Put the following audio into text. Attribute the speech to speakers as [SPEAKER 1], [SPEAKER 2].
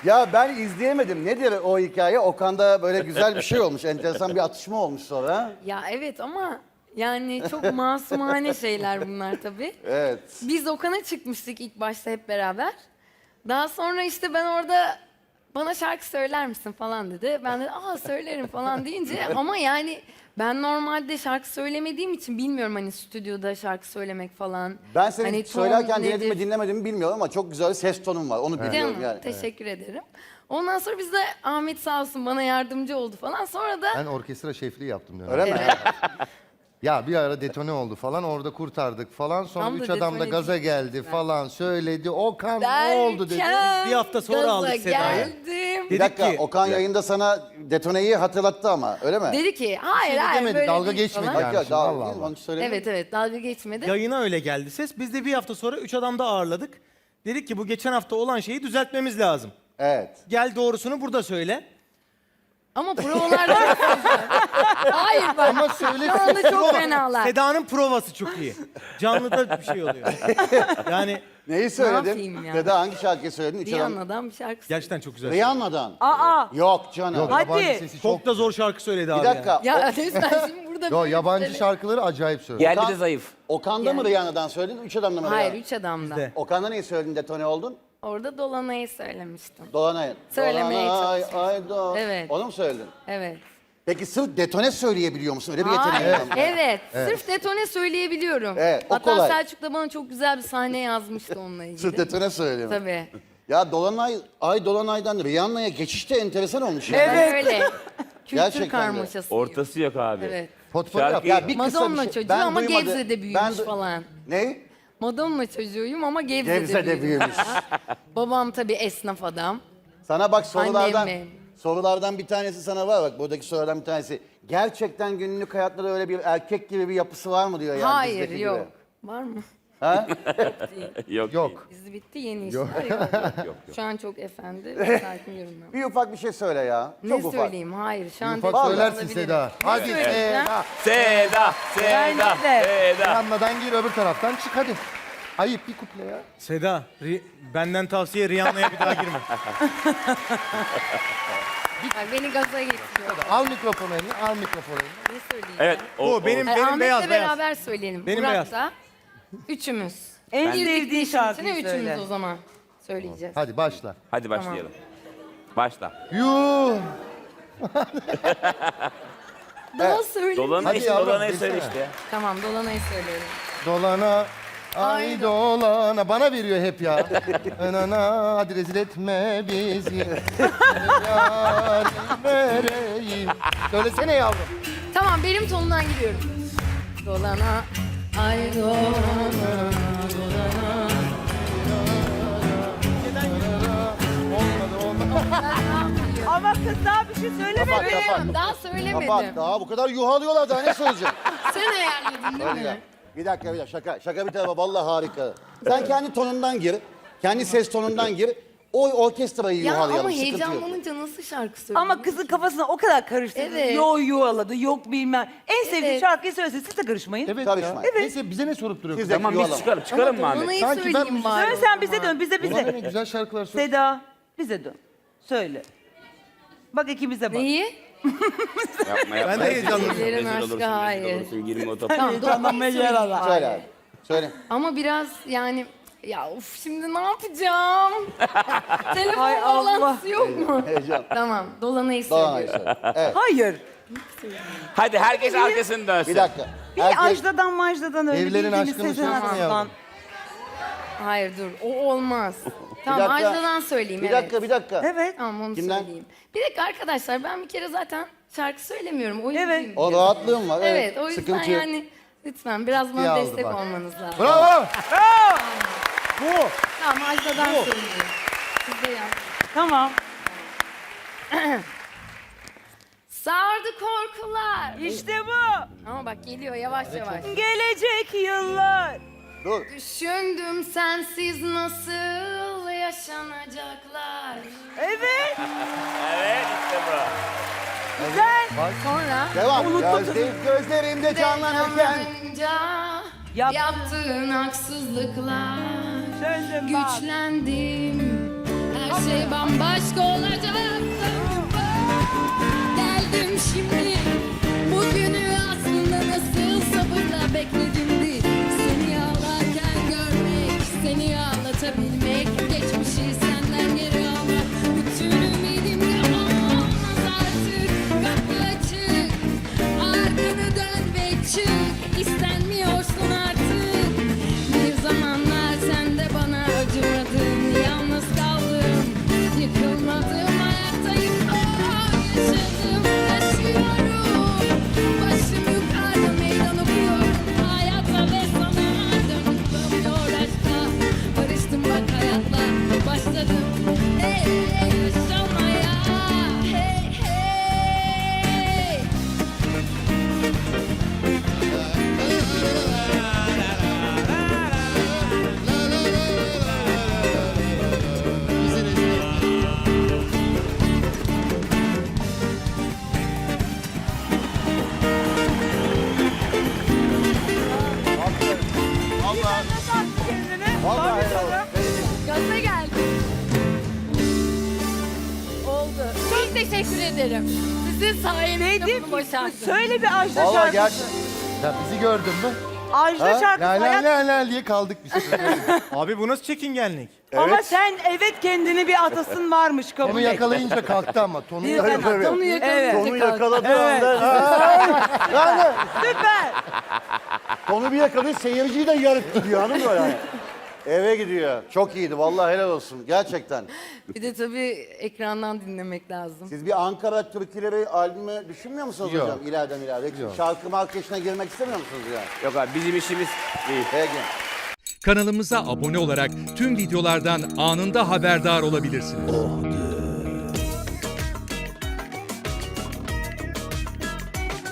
[SPEAKER 1] Ya ben izleyemedim. Nedir o hikaye? Okan'da böyle güzel bir şey olmuş. Enteresan bir atışma olmuş sonra.
[SPEAKER 2] Ya evet ama yani çok masumane şeyler bunlar tabii.
[SPEAKER 1] Evet.
[SPEAKER 2] Biz Okan'a çıkmıştık ilk başta hep beraber. Daha sonra işte ben orada bana şarkı söyler misin falan dedi. Ben de söylerim falan deyince ama yani ben normalde şarkı söylemediğim için bilmiyorum hani stüdyoda şarkı söylemek falan.
[SPEAKER 1] Ben seni
[SPEAKER 2] Hani ton
[SPEAKER 1] söylerken
[SPEAKER 2] nedir?
[SPEAKER 1] dinledim mi dinlemedim mi bilmiyorum ama çok güzel bir ses tonun var. Onu biliyorum
[SPEAKER 2] Canım,
[SPEAKER 1] yani.
[SPEAKER 2] teşekkür ederim. Ondan sonra biz de Ahmet sağ olsun bana yardımcı oldu falan. Sonra da
[SPEAKER 3] Ben orkestra şefliği yaptım dönem.
[SPEAKER 1] Öyle mi?
[SPEAKER 3] Ya bir ara detone oldu falan orada kurtardık falan. Sonra
[SPEAKER 2] Tam da
[SPEAKER 3] üç adam da
[SPEAKER 2] detone
[SPEAKER 3] gaza
[SPEAKER 2] değil.
[SPEAKER 3] geldi falan söyledi. Okan ne oldu dedi.
[SPEAKER 2] derken
[SPEAKER 4] Bir hafta sonra
[SPEAKER 2] gaza
[SPEAKER 4] aldık Seda'yı.
[SPEAKER 2] geldim.
[SPEAKER 1] Bir
[SPEAKER 4] Dedik
[SPEAKER 1] dakika
[SPEAKER 4] ki-
[SPEAKER 1] Okan yayında sana detoneyi hatırlattı ama öyle mi?
[SPEAKER 2] Dedi ki hayır
[SPEAKER 3] Şimdi
[SPEAKER 2] hayır
[SPEAKER 3] demedi,
[SPEAKER 2] böyle
[SPEAKER 3] dalga
[SPEAKER 2] değil
[SPEAKER 3] geçmedi
[SPEAKER 2] falan.
[SPEAKER 3] yani.
[SPEAKER 1] Yok,
[SPEAKER 3] şimdi,
[SPEAKER 1] daha
[SPEAKER 3] Allah Allah.
[SPEAKER 1] onu söyleyeyim.
[SPEAKER 2] Evet evet dalga geçmedi.
[SPEAKER 4] Yayına öyle geldi ses. Biz de bir hafta sonra 3 adam da ağırladık. Dedik ki bu geçen hafta olan şeyi düzeltmemiz lazım.
[SPEAKER 1] Evet.
[SPEAKER 4] Gel doğrusunu burada söyle.
[SPEAKER 2] Ama provalarda hayır bak.
[SPEAKER 3] Ama söyle.
[SPEAKER 2] Şu anda çok fenalar.
[SPEAKER 4] Seda'nın provası çok iyi. Canlıda bir şey oluyor. Yani
[SPEAKER 1] Neyi
[SPEAKER 2] yapayım
[SPEAKER 1] söyledin?
[SPEAKER 2] ya?
[SPEAKER 1] Dede hangi şarkıyı söyledin? Üç adam.
[SPEAKER 2] Rihanna'dan bir şarkı söyledi.
[SPEAKER 4] gerçekten çok güzel.
[SPEAKER 1] Rihanna'dan.
[SPEAKER 5] Aa,
[SPEAKER 1] Yok canım.
[SPEAKER 3] Yok,
[SPEAKER 5] Hadi.
[SPEAKER 3] yabancı sesi çok.
[SPEAKER 4] Çok da zor şarkı söyledi abi.
[SPEAKER 1] Bir dakika.
[SPEAKER 2] Ya resmen şimdi burada
[SPEAKER 3] Yo,
[SPEAKER 2] bir
[SPEAKER 3] yabancı
[SPEAKER 2] mesele-
[SPEAKER 3] şarkıları acayip söylüyor.
[SPEAKER 6] Yerli de zayıf.
[SPEAKER 1] Okan'da mı
[SPEAKER 2] Yani.
[SPEAKER 1] Rihanna'dan söyledin? Üç adamda mı
[SPEAKER 2] Hayır
[SPEAKER 1] Rihanna?
[SPEAKER 2] üç adamda.
[SPEAKER 4] Bizde.
[SPEAKER 1] Okan'da neyi söyledin detone oldun?
[SPEAKER 2] Orada Dolanay'ı söylemiştim.
[SPEAKER 1] Dolanay.
[SPEAKER 2] Söylemeye
[SPEAKER 1] Dolanay,
[SPEAKER 2] çalışıyorum.
[SPEAKER 1] ay do.
[SPEAKER 2] Evet.
[SPEAKER 1] Onu mu söyledin?
[SPEAKER 2] Evet.
[SPEAKER 1] Peki sırf detone söyleyebiliyor musun? Öyle bir yeteneğin
[SPEAKER 2] Hayır,
[SPEAKER 1] var mı?
[SPEAKER 2] evet. Sırf detone söyleyebiliyorum.
[SPEAKER 1] Evet, o
[SPEAKER 2] Hatta
[SPEAKER 1] kolay.
[SPEAKER 2] Selçuk da bana çok güzel bir sahne yazmıştı onunla ilgili.
[SPEAKER 1] Sırf detone söylüyor.
[SPEAKER 2] Tabii.
[SPEAKER 1] Ya Dolanay, ay Dolanay'dan Rihanna'ya geçiş de enteresan olmuş ya.
[SPEAKER 2] Ben öyle. Kültür
[SPEAKER 1] Gerçekten de.
[SPEAKER 2] karmaşasıyım.
[SPEAKER 6] Ortası yok abi.
[SPEAKER 2] Evet.
[SPEAKER 3] Potpourri yap.
[SPEAKER 6] Şarkı-
[SPEAKER 1] Ya bir kısa
[SPEAKER 2] Madonna
[SPEAKER 1] bir şey.
[SPEAKER 2] çocuğu
[SPEAKER 1] Ben
[SPEAKER 2] ama
[SPEAKER 1] duymadı-
[SPEAKER 2] Gebze'de büyümüş falan.
[SPEAKER 1] Ne?
[SPEAKER 2] Madonna çocuğuyum ama Gebze'de,
[SPEAKER 1] Gebze'de büyümüş.
[SPEAKER 2] Babam tabii esnaf adam.
[SPEAKER 1] Sana bak sorulardan,
[SPEAKER 2] Annem.
[SPEAKER 1] sorulardan bir tanesi sana var bak buradaki sorulardan bir tanesi. Gerçekten günlük hayatta da öyle bir erkek gibi bir yapısı var mı diyor yani
[SPEAKER 2] Hayır
[SPEAKER 1] bizdeki
[SPEAKER 2] yok.
[SPEAKER 1] gibi.
[SPEAKER 2] Var mı?
[SPEAKER 1] Ha?
[SPEAKER 6] Yok.
[SPEAKER 3] Yok.
[SPEAKER 2] Dizi bitti yeni işler yok. Şu an çok efendi ve sakin yorumlar.
[SPEAKER 1] Bir ufak bir şey söyle ya.
[SPEAKER 2] Ne
[SPEAKER 1] Çok ufak.
[SPEAKER 2] söyleyeyim? Hayır şu an
[SPEAKER 3] Ufak
[SPEAKER 2] detone
[SPEAKER 3] söylersin
[SPEAKER 2] olabilirim.
[SPEAKER 3] Seda. Hadi
[SPEAKER 2] söyleyeceğim?
[SPEAKER 3] Seda.
[SPEAKER 6] Seda, Seda,
[SPEAKER 5] de.
[SPEAKER 6] Seda.
[SPEAKER 3] Yanmadan gir öbür taraftan çık hadi. Ayıp bir kuple ya.
[SPEAKER 4] Seda, benden tavsiye Rihanna'ya bir daha girme.
[SPEAKER 2] Ay, beni gaza getiriyor.
[SPEAKER 3] Al mikrofonu eline, al mikrofonu eline.
[SPEAKER 2] Ne söyleyeyim?
[SPEAKER 6] Evet,
[SPEAKER 4] Bu benim
[SPEAKER 2] Ahmet'le
[SPEAKER 4] beyaz beyaz.
[SPEAKER 2] beraber söyleyelim.
[SPEAKER 4] Benim
[SPEAKER 2] Murat
[SPEAKER 4] beyaz.
[SPEAKER 2] da. Üçümüz.
[SPEAKER 5] en
[SPEAKER 2] Girdik
[SPEAKER 5] sevdiğin
[SPEAKER 2] işin
[SPEAKER 5] şarkıyı
[SPEAKER 2] içine,
[SPEAKER 5] söyle.
[SPEAKER 2] üçümüz o zaman söyleyeceğiz.
[SPEAKER 3] Hadi başla.
[SPEAKER 6] Hadi başlayalım. Başla.
[SPEAKER 3] Yuh.
[SPEAKER 2] Daha söyle.
[SPEAKER 6] Dolanayı
[SPEAKER 3] Hadi
[SPEAKER 6] işte,
[SPEAKER 3] yavrum,
[SPEAKER 6] dolanayı söyle
[SPEAKER 3] bilsene.
[SPEAKER 6] işte ya.
[SPEAKER 2] Tamam Dolanay'ı söyleyelim.
[SPEAKER 3] Dolana, ay
[SPEAKER 2] Ay
[SPEAKER 3] dolana. Bana veriyor hep ya. Anana, hadi rezil etme bizi. Yarim vereyim. Söylesene yavrum.
[SPEAKER 2] Tamam benim tonundan gidiyorum. Dolana, ay dolana, dolana.
[SPEAKER 3] Olmadı, olmadı.
[SPEAKER 5] Ama kız daha bir şey söylemedi.
[SPEAKER 1] Kapat, kapat.
[SPEAKER 2] Söyleyemem, daha söylemedim.
[SPEAKER 1] Kapat daha bu kadar yuhalıyorlar daha ne söyleyeceğim?
[SPEAKER 2] Sen ayarladın değil
[SPEAKER 1] Öyle.
[SPEAKER 2] mi?
[SPEAKER 1] Bir dakika şaka. Şaka bir tarafa vallahi harika. Sen kendi tonundan gir. Kendi ses tonundan gir. O orkestrayı
[SPEAKER 2] Ya
[SPEAKER 1] yuhalayalım.
[SPEAKER 2] ama
[SPEAKER 1] sıkıntı yok.
[SPEAKER 2] heyecanlanınca nasıl şarkı söylüyor?
[SPEAKER 5] Ama kızın kafasına o kadar karıştırdı.
[SPEAKER 2] Evet.
[SPEAKER 5] Yok yuvaladı, yok bilmem. En sevdiği
[SPEAKER 2] Evet.
[SPEAKER 5] şarkıyı söylesin. Siz de karışmayın.
[SPEAKER 3] Evet
[SPEAKER 1] Karışma.
[SPEAKER 3] ya.
[SPEAKER 1] Evet.
[SPEAKER 3] Neyse bize ne sorup duruyorsun?
[SPEAKER 1] Siz de
[SPEAKER 6] Tamam biz
[SPEAKER 1] yuhalama.
[SPEAKER 6] çıkalım. Çıkalım mı Ahmet?
[SPEAKER 2] Dolanayı
[SPEAKER 3] Sanki ben
[SPEAKER 2] söyleyeyim
[SPEAKER 3] müzik-
[SPEAKER 2] bari
[SPEAKER 5] Söyle
[SPEAKER 2] o
[SPEAKER 5] sen bize
[SPEAKER 2] zaman.
[SPEAKER 5] dön, bize
[SPEAKER 3] Bana ne
[SPEAKER 5] bize.
[SPEAKER 3] güzel şarkılar söyle.
[SPEAKER 5] Seda, bize dön. Söyle. Bak ikimize bak.
[SPEAKER 2] Neyi?
[SPEAKER 6] Yapma yapma.
[SPEAKER 4] Ben de heyecanlıyım.
[SPEAKER 6] Rezil
[SPEAKER 2] Ellerin
[SPEAKER 6] olursun,
[SPEAKER 2] aşkı,
[SPEAKER 6] rezil
[SPEAKER 2] hayır.
[SPEAKER 6] olursun, girme o topa.
[SPEAKER 2] Tamam
[SPEAKER 5] Heyecanlanmaya
[SPEAKER 2] Dolanay'ı
[SPEAKER 5] yer
[SPEAKER 2] söyleyeyim
[SPEAKER 5] ara.
[SPEAKER 1] Söyle
[SPEAKER 2] bari.
[SPEAKER 1] abi. Söyle.
[SPEAKER 2] Ama biraz yani ya of şimdi ne yapacağım? Telefon
[SPEAKER 5] Hay Allah.
[SPEAKER 2] bağlantısı yok mu?
[SPEAKER 1] Heyecan.
[SPEAKER 2] Tamam Dolanay'ı
[SPEAKER 1] Dolanay
[SPEAKER 2] söylüyorum.
[SPEAKER 1] söyle. Evet.
[SPEAKER 5] Hayır.
[SPEAKER 6] Hadi herkes arkasını dönsün.
[SPEAKER 1] Bir dakika.
[SPEAKER 5] Bir Ajda'dan Majda'dan öyle
[SPEAKER 3] Evlerin
[SPEAKER 5] bildiğiniz
[SPEAKER 3] aşkını
[SPEAKER 5] Sezen
[SPEAKER 3] söylesene
[SPEAKER 5] Aksu'dan.
[SPEAKER 3] yavrum.
[SPEAKER 2] Hayır dur o olmaz. Tamam
[SPEAKER 1] dakika.
[SPEAKER 2] Ajda'dan söyleyeyim
[SPEAKER 1] Bir
[SPEAKER 2] evet.
[SPEAKER 1] dakika, bir dakika.
[SPEAKER 5] Evet.
[SPEAKER 2] Tamam onu
[SPEAKER 1] Kimden?
[SPEAKER 2] söyleyeyim. Bir dakika arkadaşlar ben bir kere zaten şarkı söylemiyorum. Oyuncuyum.
[SPEAKER 5] Evet.
[SPEAKER 1] O rahatlığım var.
[SPEAKER 2] Evet o yüzden
[SPEAKER 1] Sıkıntı yok.
[SPEAKER 2] yani lütfen biraz
[SPEAKER 3] İyi
[SPEAKER 2] bana
[SPEAKER 3] aldı
[SPEAKER 2] destek
[SPEAKER 3] bak.
[SPEAKER 2] olmanız lazım.
[SPEAKER 3] Bravo.
[SPEAKER 4] Bu.
[SPEAKER 2] Tamam Ajda'dan söyleyeyim. Siz de yap.
[SPEAKER 5] Tamam.
[SPEAKER 2] Sardı korkular.
[SPEAKER 5] İşte bu.
[SPEAKER 2] Ama bak geliyor yavaş yavaş.
[SPEAKER 5] Gelecek yıllar.
[SPEAKER 1] Dur.
[SPEAKER 2] Düşündüm sensiz nasıl yaşanacaklar.
[SPEAKER 5] Evet.
[SPEAKER 6] Evet işte bu.
[SPEAKER 5] Güzel.
[SPEAKER 2] Sonra
[SPEAKER 1] Devam.
[SPEAKER 5] Unuttum.
[SPEAKER 1] Gözlerimde canlanırken.
[SPEAKER 2] canlanınca
[SPEAKER 5] Yap.
[SPEAKER 2] yaptığın haksızlıklar.
[SPEAKER 5] Söyle bak.
[SPEAKER 2] Güçlendim her şey bambaşka olacak. Geldim şimdi, bugünü aslında nasıl sabırla bekledimdi. Seni ağlarken görmek, seni ağlatabilmek, geçmişi senden geri almak. Bütün ümidimle olmaz artık, kapı açık, arkanı dön ve çık, istenmiyorsun artık. Bir zamanlar sen de bana acımadın, yalnız kaldım, yıkılmadım, hayattayım, yaşadım, yaşıyorum. Başım yukarıda meydan okuyorum, hayata ve sana dönüp dönmüyor aşka. Barıştım bak hayatla, başladım, yaşamaya, hey hey.
[SPEAKER 1] Vallahi helal olsun.
[SPEAKER 2] Gaza geldim. Oldu. Çok teşekkür ederim. Sizin sayenizde
[SPEAKER 5] Dedim
[SPEAKER 2] bunu başardım.
[SPEAKER 5] söyle bir Ajda
[SPEAKER 3] Vallahi
[SPEAKER 5] şarkısı.
[SPEAKER 3] gerçekten. Ya bizi gördün mü?
[SPEAKER 5] Ajda
[SPEAKER 3] Ha?
[SPEAKER 5] şarkısı.
[SPEAKER 3] La la
[SPEAKER 5] hayat-
[SPEAKER 3] la la diye kaldık biz.
[SPEAKER 4] Abi bu nasıl çekingenlik?
[SPEAKER 5] Ama sen evet kendini bir atasın varmış kabul
[SPEAKER 3] Onu
[SPEAKER 5] et.
[SPEAKER 3] yakalayınca kalktı ama. Tonu yakalayınca.
[SPEAKER 1] tabii.
[SPEAKER 2] Onu yakalayınca
[SPEAKER 5] Evet.
[SPEAKER 1] Tonu
[SPEAKER 2] kalktım.
[SPEAKER 1] yakaladığı anda yani
[SPEAKER 5] Süper.
[SPEAKER 1] tonu bir yakalıyor, seyirciyi de yarıp gidiyor, hanım mı yani? Eve gidiyor. Çok iyiydi vallahi, helal olsun gerçekten.
[SPEAKER 2] Bir de tabii ekrandan dinlemek lazım.
[SPEAKER 1] Siz bir Ankara türküleri albümü düşünmüyor musunuz
[SPEAKER 3] Yok.
[SPEAKER 1] hocam? İleriden ileride. Şarkı markeşine girmek istemiyor musunuz yani?
[SPEAKER 6] Yok abi bizim işimiz değil.
[SPEAKER 1] Peki.
[SPEAKER 7] Kanalımıza abone olarak tüm videolardan anında haberdar olabilirsiniz.